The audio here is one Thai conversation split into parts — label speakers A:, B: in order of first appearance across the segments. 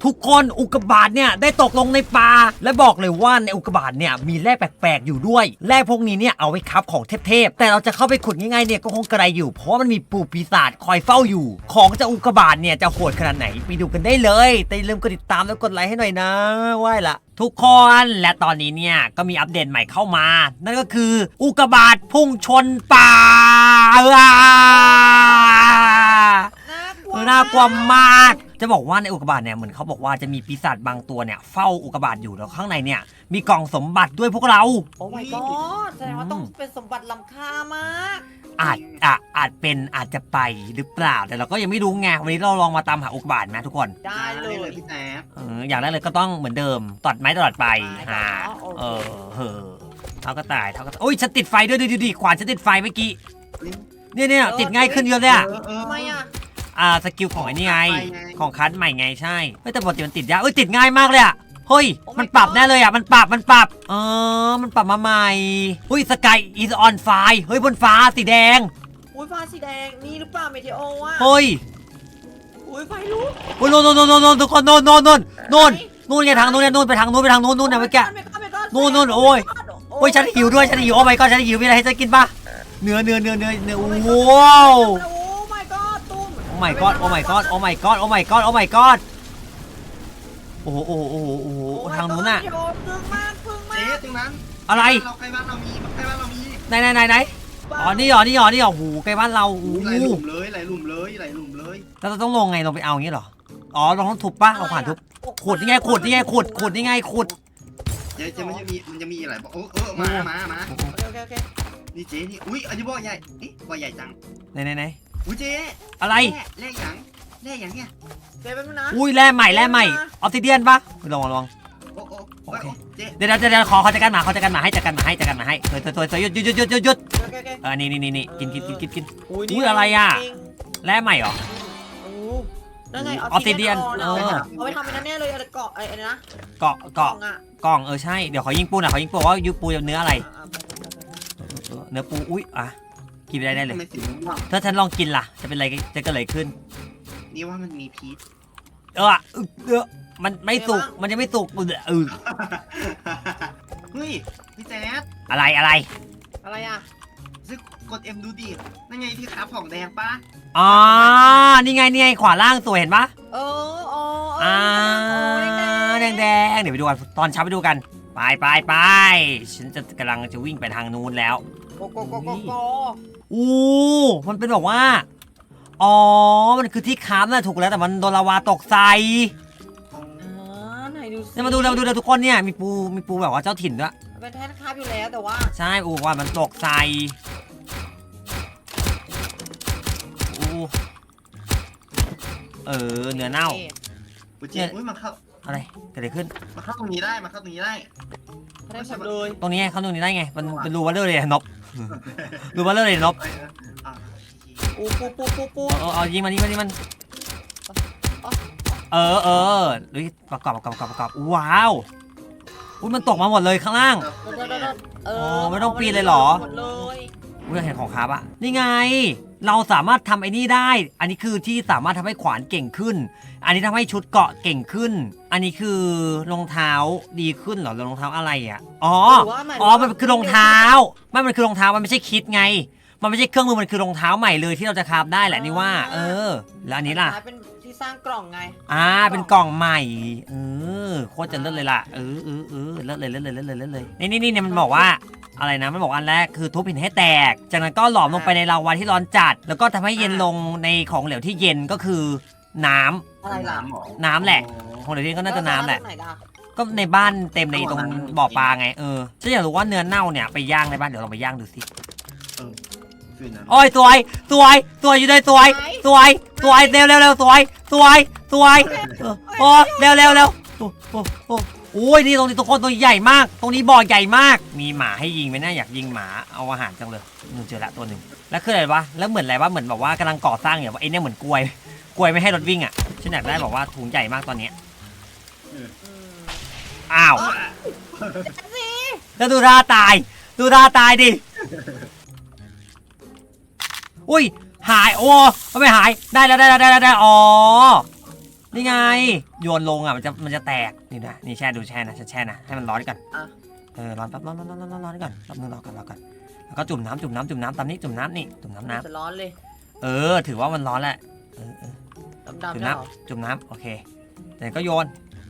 A: ทุกคนอุกกาบาตเนี่ยได้ตกลงในป่าและบอกเลยว่าในอุกกาบาตเนี่ยมีแร่แปลกๆอยู่ด้วยแร่พวกนี้เนี่ยเอาไว้คับของเทพๆแต่เราจะเข้าไปขุดง่ายๆเนี่ยก็คงกระไรอยู่เพราะมันมีปู่ปีศาจคอยเฝ้าอยู่ของจากอุกกาบาตเนี่ยจะโหดขนาดไหนไปดูกันได้เลยแต่อย่าลืมกดติดตามแล้วกดไลค์ให้หน่อยนะไหว้ละทุกคนและตอนนี้เนี่ยก็มีอัปเดตใหม่เข้ามานั่นก็คืออุกกาบาตพุ่งชนป่าน่ากลัวมากจะบอกว่าในอุกกาบาตเนี่ยเหมือนเขาบอกว่าจะมีปีศาจบางตัวเนี่ยเฝ้าอุกกาบาตอยู่แล้วข้างในเนี่ยมีกล่องสมบัติด้วยพวกเรา
B: โอ้ my god แสดงว่าต้องเป็นสมบัติล้ำค่ามาก
A: อาจจะไปหรือเปล่าแต่เราก็ยังไม่รู้ไงวันนี้เราลองมาตามหาอุกกาบาตนะทุกคน
B: ได้เลย
C: พี่แจ๊บ
A: อย่างแรกเลยก็ต้องเหมือนเดิมตอดไม้ตลอดไปเท่าก็ตายโอ้ยฉันติดไฟด้วยดูดิขวานฉันติดไฟเมื่อกี้เนี่ยติดง่ายขึ้นเยอะเลย
B: ทำไม
A: สกิลของไอ้นี่ไงของคัสใหม่ไงใช่แต่ปกติมันติดยากติดง่ายมากเลยเฮ้ยมันปรับแน่เลยมันปรับมันปรับมาใหม่สกายอีสออนไฟเฮ้ยบนฟ้าสีแดง
B: ฟ้าสีแดงนี่หรือเปล่าเมเทโอ
A: เฮ้ย
B: ไฟลุก
A: โน่นทุกคนโน่นไงทางโน่นเนี่ยโน่นไปทางโน่นนะเมื่อกี้โน่นโอ้ยฉันหิวด้วยฉันหิวโอ้ my god ฉันหิวมีอะไรให้ฉันกินป่ะเนื้อว้าวโอ้ my god โอ้ my god โอ้ my god โอ้ my god โอ้ my god โอ้โหทางนู้นน่ะ
B: พึ่งมาก
C: เจ๊ตรงนั้น
A: อะไร
C: ใกล้บ้านเรามี
A: ไหนอ๋อนี่หรอโอ้โหใกล้บ้านเรา
C: ไหลหลุมเลย
A: แล้วเราต้องลงไงลงไปเอาอย่างนี้เหรออ๋อเราต้องทุบป่ะเอาผ่านทุบขุดนี่ไงขุดนี่ไงขุด
C: เจ๊มันจะมีอะไรบอกมา
B: โอเค
C: นี่เจ๊นี่อุ้ยอันนี้บ่อใหญ่บ่อใหญ่จัง
A: ไหน
C: อุ้ยเจ๊
A: อะไร
C: แร่อย่างเนี่ย
B: เจ๊เป็นนะ
A: อุ้ยแร่ใหม่ออฟซิเดียนป่ะลอง
C: โอเค
A: เดี๋ยวขอจัดการหมาให้จัดการหมาให้ตัวหยุดนี่กินอุ้ยอะไรแร่ใหม่เหรอ
B: นั่นไง
A: ออฟซิเดียน
B: เอาไปทำเป็นนั่นแน่เลยเกาะไอ้นะ
A: กล่องใช่เดี๋ยวขอยิงปูว่าปูเนื้ออะไรเนื้อปูอุ้ยกินไปได้เลยถ้าฉันลองกินล่ะจะเป็นอะไรจะเกิดอะไรขึ้น
C: นี่ว่ามันมีพิษ
A: มันไม่สุกมันจะไม่สุก
C: เฮ้ยพี่แจ๊ด
A: อะไร
C: ซึ่งกด M ดูดินั่นไงที่ขาผ่องแดงปะ
A: นี่ไงขวาล่างสวยเห็นปะแดงเดี๋ยวไปดูกันตอนเช้าไปดูกันไปฉันจะกำลังจะวิ่งไปทางนู้นแล้วมันเป็นบอกว่ามันคือที่ค้ำน่ะถูกแล้วแต่มันโดนลาวาตกใส่
B: ไหนดู
A: เนี่ยมาดูทุกคนเนี่ยมีปูแบบว่าเจ้าถิ่นด้วย
B: เป็นแท้คาบอยู่แล้วแต่ว่า
A: ใช่ว่ามันตกใส่เนื้อเน่า
C: เนี่ยมาเข้า
A: อะไรเกิดอะไรขึ้น
C: มาเข้าตรงนี้ได้
B: ได้หมดเลย
A: ตรงนี้เข้าตรงนี้ได้ไงมันเป็นรูวัลเลอร์เลยนบรูวัลเลอร์เลยนบ
B: ปู
A: เอายิงมันดูประกอบว้าวมันตกมาหมดเลยข้างล่างไม่ต้องปีนเลยเหรอเห็นของคาบนี่ไงเราสามารถทำไอ้นี่ได้อันนี้คือที่สามารถทำให้ขวานเก่งขึ้นอันนี้ทำให้ชุดเกาะเก่งขึ้นอันนี้คือรองเท้าดีขึ้นเหรอรองเท้าอะไรมันคือรองเท้ามันคือรองเท้ามันไม่ใช่คิดไงมันไม่ใช่เครื่องมือมันคือรองเท้าใหม่เลยที่เราจะคราฟได้แหละนี่ว่าแล้วอันนี้ล่ะ
B: เป็นที่สร้างกล่องไง
A: เป็นกล่องใหม่โคตรจะเลิศเลยล่ะเลิศเลยนี่มันบอกว่าอะไรนะมันบอกอันแรกคือทุบหินให้แตกจากนั้นก็หลอมลงไปในลาวาที่ร้อนจัดแล้วก็ทำให้เย็นลงในของเหลวที่เย็นก็คือน้ำแหละของเหลวที่ก็น่าจะน้ำแหละก็ในบ้านเต็มในตรงบ่อปลาไงฉันอยากรู้ว่าเนื้อเน่าเนี่ยไปย่างในบ้านเดี๋ยวเราไปย่างดูสิโอ้ยสวยอยู่เลยสวยเร็วสวยโอ้เร็วโอ้ยนี่ตรงนี้ทุกคนตัวใหญ่มากตรงนี้บ่อใหญ่มากมีหมาให้ยิงไหมนะอยากยิงหมาเอาอาหารจังเลยเจอละตัวหนึ่งแล้วคืออะไรวะแล้วเหมือนอะไรวะเหมือนแบบว่ากำลังก่อสร้างอย่างว่าไอ้เนี่ยเหมือนกลวยไม่ให้รถวิ่งฉันอยากได้บอกว่าถุงใหญ่มากตอนนี้อ้าวแล้วดูท่าตายดิอุ้ยหายไม่หายได้แล้วนี่ไงโยนลงอ่ะมันจะแตกนี่นะนี่แช่ดูแช่นะฉันแช่นะให้มันร้อนก่อน
B: อ่ะ
A: ร้อนแป๊บร้อนก่อนแป๊บนึงรอก่อนแล้วก็จุ่มน้ำตามนี้จุ่มน้ำนี่จุ่มน้ำ
B: จะร้อนเลย
A: ถือว่ามันร้อนแหละ
B: ดำ
A: จุ่ม
B: ๆ
A: น้
B: เหรอ
A: ำจุ่มน้ำโอเคแต่ก็โยน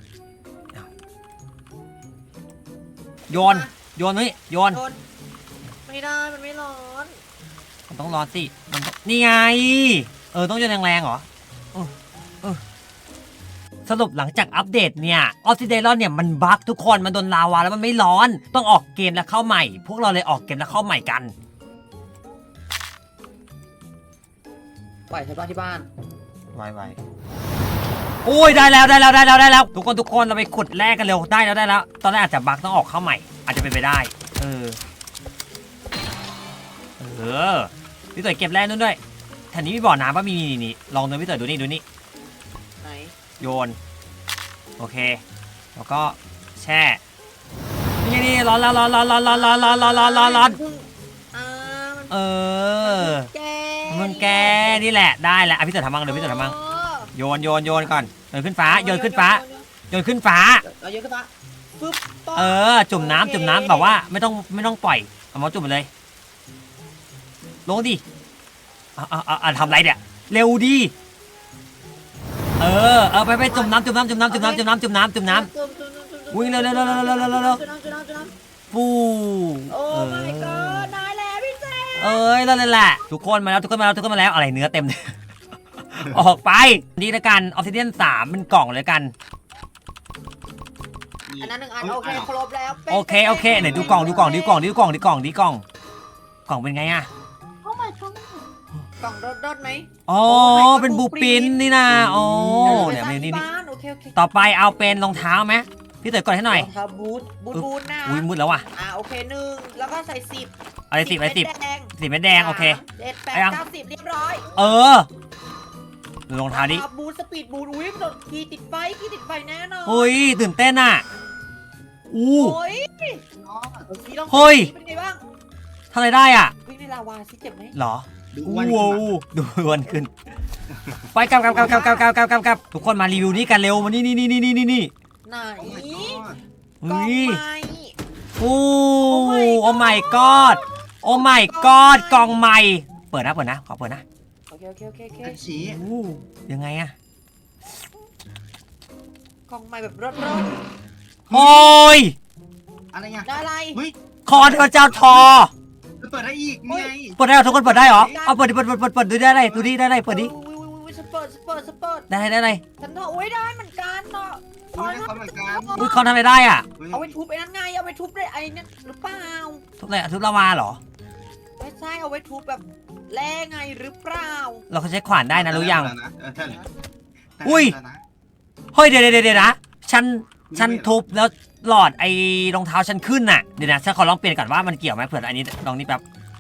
A: นี่โยน
B: โดนไม่ได้มันไม่ร้อน
A: มันต้องร้อนสิมันต้องนี่ไงต้องโยนแรงๆเหรอสรุปหลังจากอัปเดตเนี่ยออฟซิเดรอนเนี่ยมันบั๊กทุกคนมันโดนลาวาแล้วมันไม่ร้อนต้องออกเกมแล้วเข้าใหม่ พวกเราเลยออกเกมแล้วเข้าใหม่กัน
B: ปล่อยใช้บ้านที่บ้าน
A: ไวโอ้ยได้แล้วทุกคนเราไปขุดแร่กันเร็วได้แล้วตอนแรกอาจจะบั๊กต้องออกเข้าใหม่อาจจะเป็นไปได้พี่เต๋อเก็บแร่นู่นด้วยแถวนี้มีบ่อน้ำป่ะมีนี่ลองดูพี่เต๋อดูนี่
B: ไหน
A: โยนโอเคแล้วก็แช่นี่ร้อนแล้วร้อน
B: แก
A: มึงแกนี่แหละได้แล้วพี่เต๋อทำมั่งเดี๋ยวพี่เต๋อทำมั่งโยนก่อนโยนขึ้นฟ้าโยนขึ้นฟ้า
B: เอาเยอะขึ้นฟ้าปึ๊บ
A: จุ่มน้ำแบบว่าไม่ต้องปล่อยเอามาจุ่มไปเลยลงดิทำไรเนี่ยเร็วดิไปจุ่มน้ำวิ่งเร็วฟู
B: โอ้ my god นายแล้วพี่แจ๊
A: นั่นแหละทุกคนมาแล้วอะไรเนื้อเต็มเลย ออกไปนี่ละกันออฟซิเดียน3เป็นกล่องเลยกัน
B: อันนั้น1 อันโอเคครบแล้ว
A: โอเคไหนดูกล่องกล่องเป็นไงอะ
B: กล่องรถไหม
A: อ๋อเป็นบูปินนี่นะอ๋อเนี่ยนี่
B: โอเค
A: ต่อไปเอาเป็นรองเท้าไหมพี่เต๋อกดให้หน่อย
B: ครับบูทนะ
A: อุ้ยมืดแล้วว่ะ
B: โอเค1แล้วก็ใส่10
A: อะไร10 10เม็ดแดงโอเค
B: 7 8 9 10เรียบร้อย
A: ดูรองเท้าดิ
B: บูทสปีดบูทอุ้ยโดดขี่ติดไฟแน่นอน
A: เฮ้ยตื่นเต้นอ่ะ
B: โอ้ย
A: เฮ้ย
B: เป็นไงบ้าง
A: ทำอะไรได้อ่ะ
B: วิ่งในลาวาสิเจ็บไหม
A: หรอว้าวดูวันขึ้นไปกลับทุกคนมารีวิวนี้กันเร็วมานี่
B: ไหน
A: เฮ้ย
B: โอ้
A: โอ้ my god โอ้ my god กล่องใหม่เปิดนะขอเปิดนะ
B: โอเค
C: ชี้
A: ยังไงอะ
B: กล่องใหม่แบบรถ
A: โอ้ย
C: อะไรเงี้ย
B: ได้อะไร
C: เฮ้ย
A: คอเทพเจ้าทอ
C: เปิดได้อีกไง
A: เปิดได้เหรอทุกคนเปิดได้เหรอเอาเปิดดูได้อะไรได้อะไรเปิดดิ
B: สเปิด
A: ได้อะไร
B: ฉันทอโอ้ยได้เหมือนกันเนาะ
A: อุ้ยเขาทำอะไรได้อ่ะ
B: เอาไปทุบไอ้นั่นไงเอาไปทุบได้ไอ้นั่นหรือเปล่า
A: ทุบอะไรทุบลาวาเหรอ
B: ไม่ใช่เอาไว้ทุบแบบแร่ไงหรือเปล่า
A: เราเขาใช้ขวานได้นะรู้ยังอุ้ยเฮ้ยเดี๋ยวนะฉันทุบแล้วหลอดไอ้รองเท้าฉันขึ้นน่ะเดี๋ยวนะฉันขอลองเปลี่ยนก่อนว่ามันเกี่ยวไหมเผื่ออันนี้ลองนี่แป๊บ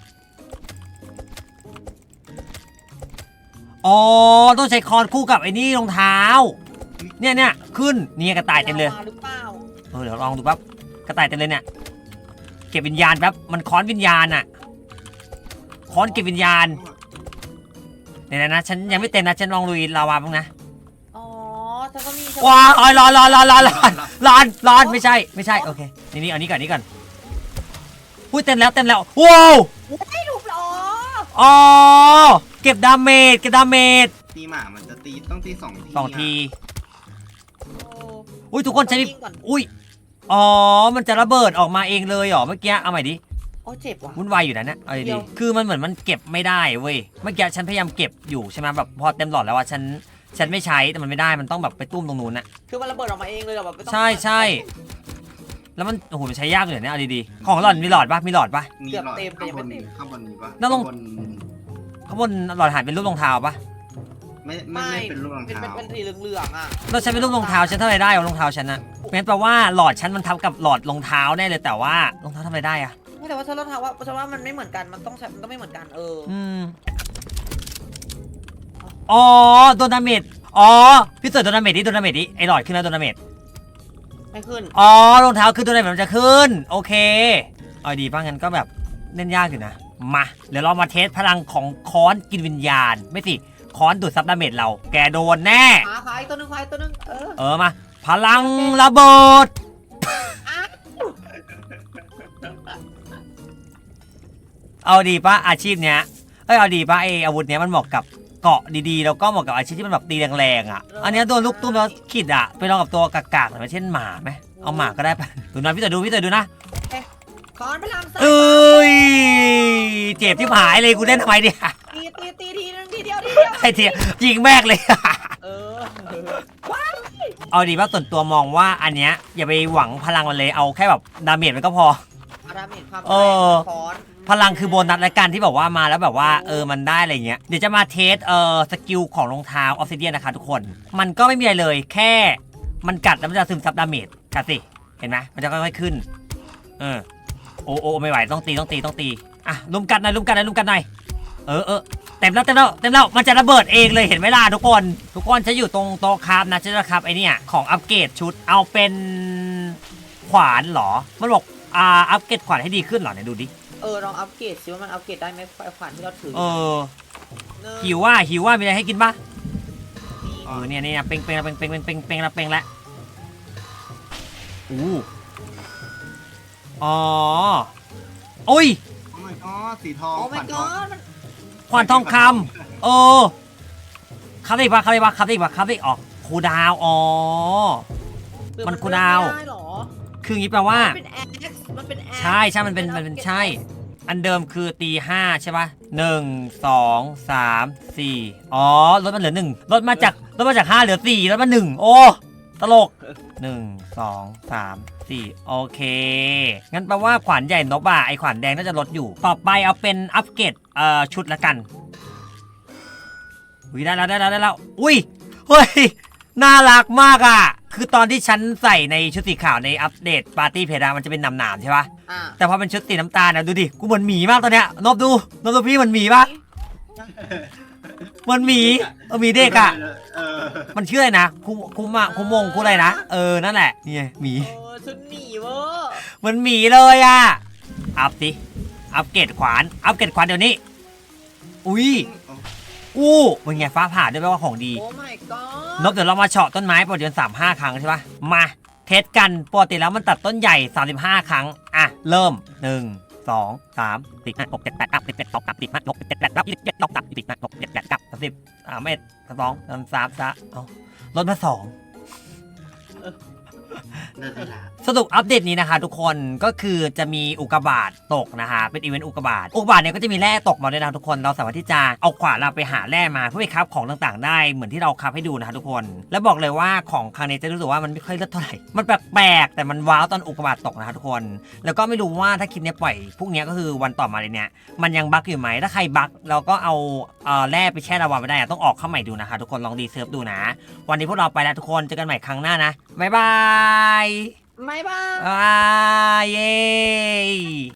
A: อ๋อต้องใช้คอนคู่กับไอ้นี่รองเท้าเนี่ยขึ้นนี่กระต่ายเต็มเลยเดี๋ยวลองดูแป๊บกระต่ายเต็มเลยเนี่ยเก็บวิญญาณแป๊บมันค้อนวิญญาณอะค้อนเก็บวิญญาณเนี่ยนะฉันยังไม่เต็มนะฉันลองลุยลาวาบ้างนะ
B: ฉันก็มี
A: ว้าวร้อนไม่ใช่โอเคนี่เอานี้ก่อนอุ้ยเต็มแล้วว้าว
B: ไม่ถูกหรอ
A: อ๋อเก็บดาเมจ
C: ตีหมามันจะต้องตี2 ที
A: อุ้ยทุกคนใช้อุ้ยอ๋อมันจะระเบิดออกมาเองเลยเหรอเมื่อกี้เอาใหม่ดิ
B: โอ้เจ็บว่ะ
A: วุ่นวายอยู่นะเนี่ยเอาดีคือมันเหมือนมันเก็บไม่ได้เว้ยเมื่อกี้ฉันพยายามเก็บอยู่ใช่ไหมแบบพอเต็มหลอดแล้วว่าฉันไม่ใช้แต่มันไม่ได้มันต้องแบบไปตุ้มตรงนู้นน่ะ
B: คือมันระเบิดออกมาเองเลยแบบ
A: ใช่แล้วมันโอ้โหมันใช้ยากเลยเนี่ยเอาดีๆของหลอดมีหลอดปะ
B: เกือบเต็ม
C: ข้างบนมีปะ
A: ข้างบนหลอดหายเป็นรูปรองเท้าปะ
C: ไม่เป็นรูปรองเท้า
B: เป็นสีเหลืองๆอ่ะ
A: เราใช้เป็นรูปรองเท้าฉันเท่าไรได้รองเท้าฉันนะงั้นแปลว่าหลอดฉันมันทับกับหลอดรองเท้าแน่เลยแต่ว่ารองเท้าทำอะไรได้อะ
B: ไม่แต่ว่าฉันรองเท้าว่ามันไม่เหมือนกันมันต้องไม่เหมือนกัน
A: อ๋อโดนดาเมจพี่เต๋อโดนดาเมจดิไอหลอดขึ้นแล้วโดนดาเมจ
B: ไม่ขึ้น
A: รองเท้าขึ้นตัวไหนมันจะขึ้นโอเคเอาดีป่ะงั้นก็แบบเล่นยากอยู่นะมาเดี๋ยวเรามาเทสพลังของค้อนกินวิญญาณไม่สิค้อนดูดซับดาเมจเราแกโดนแน่
B: ขายตัวหนึงขายตัวหนึง
A: มาพลังระเบิดเอาดีปะอาชีพเนี้ยเอาดีปะไออาวุธเนี้ยมันเหมาะกับเกาะดีๆแล้วก็เหมาะกับอาชีพที่มันแบบตีแรงๆอ่ะอันเนี้ยโดนลูกตุ้มแล้วขิดอ่ะไปลองกับตัวกากๆหน่อยเช่นหมาไหมเอาหมาก็ได้ปะดูนะพี่เต๋อดูนะ
B: คอนพลังสาย
A: เอ้ยเจ็บที่หายเลยกูเล่นทำไมเนี่ย
B: ตีทีนึงทีเดียว
A: ไอ้เทียยิงแมกเลย
B: เออ
A: เอาดีว่าส่วนตัวมองว่าอันเนี้ยอย่าไปหวังพลังมันเลยเอาแค่แบบดาเมจมันก็พอ
B: อาราเมจความ
A: เออ
B: คอน
A: พลังคือโบนัสและกันที่แบบว่ามาแล้วแบบว่ามันได้อะไรเงี้ยเดี๋ยวจะมาเทสสกิลของรองเท้าออฟซิเดียนนะคะทุกคนมันก็ไม่มีอะไรเลยแค่มันกัดแล้วมันจะซึมซับดาเมจกัดสิเห็นไหมมันจะค่อยๆขึ้นโอ้ไม่ไหวต้องตีอ่ะลุมกันหน่อยเต็มแล้วมันจะระเบิดเองเลยเห็นไหมล่ะทุกคนจะอยู่ตรงโต๊ะคราฟนะจะคราฟไอเนี่ยของอัปเกรดชุดเอาเป็นขวานเหรอมันบอกอัปเกรดขวานให้ดีขึ้นเหรอเนี่ยดูดิ
B: ลองอัปเกรดซิว่ามันอัปเกรดได้ไหมไฟขวานที่เราถือ
A: หิวว่ามีอะไรให้กินปะเนี่ยเป่งแล้วโอ้ย
C: โอ้ my god สีทอง
B: โอ้ my
C: ขวัญทอง
B: god
A: ขวานทองคำครับได้ปะออกคูดาวมันคูดาว
B: ไม่ได้หรอ
A: คืออย่างนี้แปลว่า
B: มันเป็นแอค
A: ใช่มันเป็นใช่อันเดิมคือตี5ใช่ปะ1 2 3 4ลดมาเหลือ1ลดมาจาก5เหลือ4ลดมา1โอ้ตลก1 2 3 4โอเคงั้นแปลว่าขวานใหญ่นบไอขวานแดงน่าจะลดอยู่ต่อไปเอาเป็นอัปเกรดชุดละกันได้แล้วอุ้ยเฮ้ยน่ารักมากอ่ะคือตอนที่ฉันใส่ในชุดสีขาวในอัปเดตปาร์ตี้เพดามันจะเป็นหนามๆใช่ปะแต่พอเป็นชุดสีน้ำตาลนะดูดิกูเหมือนหมีมากตอนเนี้ยนบดูพี่เหมือนหมีปะเหมือนหมีหมีเด็กอ่ะมันชื่ออะไรนะคุมงอะไรนะนั่นแหละนี่หมี
B: ชุดหมีเวอร์
A: เหมือนหมีเลยอ่ะอัปเกรดขวานเดี๋ยวนี้อุ้ยเป็นไงฟ้าผ่าด้วยแปลว่าของดี
B: โอ้ my god
A: นบเดี๋ยวเรามาเฉาะต้นไม้ปกติ35 ครั้งใช่ปะมาเทสกันปกติแล้วมันตัดต้นใหญ่35 ครั้งอ่ะเริ่ม1 2 3 4 5 6 7 8 9 10 11 12 13 15 16 17 18 19 20 21 22 23 24 25 26 27 28 29 30 31 32 33ลดมา2สรุปอัปเดตนี้นะคะทุกคนก็คือจะมีอุกกาบาตตกนะคะเป็นอีเวนต์อุกกาบาตเนี่ยก็จะมีแร่ตกมาด้วยนะทุกคนเราสามารถที่จะเอาขวานเราไปหาแร่มาเพื่อไปคราฟของต่างๆได้เหมือนที่เราคราฟให้ดูนะคะทุกคนแล้วบอกเลยว่าของครั้งนี้จะรู้สึกว่ามันไม่ค่อยเลิศเท่าไหร่มันแปลกๆแต่มันว้าวตอนอุกกาบาตตกนะคะทุกคนแล้วก็ไม่รู้ว่าถ้าคลิปนี้ปล่อยพวกนี้ก็คือวันต่อมาเลยเนี่ยมันยังบั๊กอยู่ไหมถ้าใครบั๊กเราก็เอาแร่ไปแช่ระวางไว้ได้ต้องออกเข้าใหม่ดูนะคะทุกคนลองรีเซิร์ฟดูนะวันนี้พวกเราไปแล้วทุกคนเจอกันใหม่ครั้งหน้านะบ๊ายบาย
B: ไม่บ้า
A: เย้